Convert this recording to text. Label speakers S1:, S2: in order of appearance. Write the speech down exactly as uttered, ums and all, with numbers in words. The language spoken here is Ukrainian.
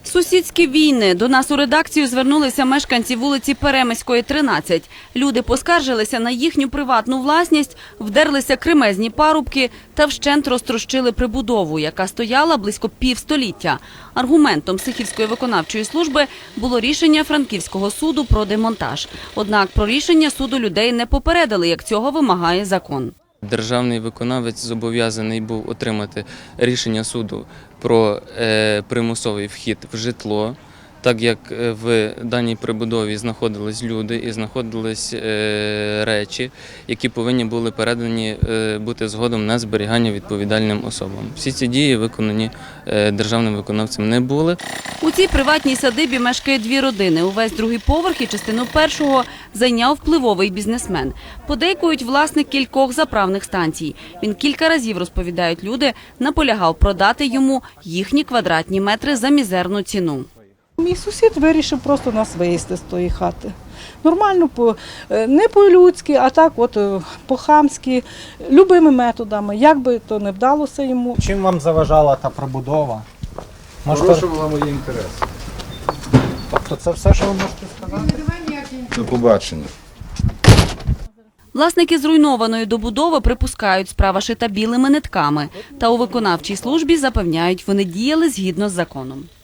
S1: Сусідські війни. До нас у редакцію звернулися мешканці вулиці Перемиської, тринадцять. Люди поскаржилися на їхню приватну власність, вдерлися кремезні парубки та вщент розтрощили прибудову, яка стояла близько півстоліття. Аргументом Сихівської виконавчої служби було рішення Франківського суду про демонтаж. Однак про рішення суду людей не попередили, як цього вимагає закон.
S2: Державний виконавець зобов'язаний був отримати рішення суду про е, примусовий вхід в житло, так як в даній прибудові знаходились люди і знаходились е, речі, які повинні були передані е, бути згодом на зберігання відповідальним особам. Всі ці дії виконані е, державним виконавцем не були.
S1: У цій приватній садибі мешкає дві родини. Увесь другий поверх і частину першого зайняв впливовий бізнесмен. Подейкують власник кількох заправних станцій. Він кілька разів, розповідають люди, наполягав продати йому їхні квадратні метри за мізерну ціну.
S3: Мій сусід вирішив просто нас вивезти з тої хати. Нормально, не по-людськи, а так от по-хамськи, любими методами, як би то не вдалося йому.
S4: Чим вам заважала та прибудова?
S5: Порушувала мої інтереси.
S4: Тобто це все, що ви можете сказати?
S5: До побачення.
S1: Власники зруйнованої добудови припускають, справа шита білими нитками. Та у виконавчій службі запевняють, вони діяли згідно з законом.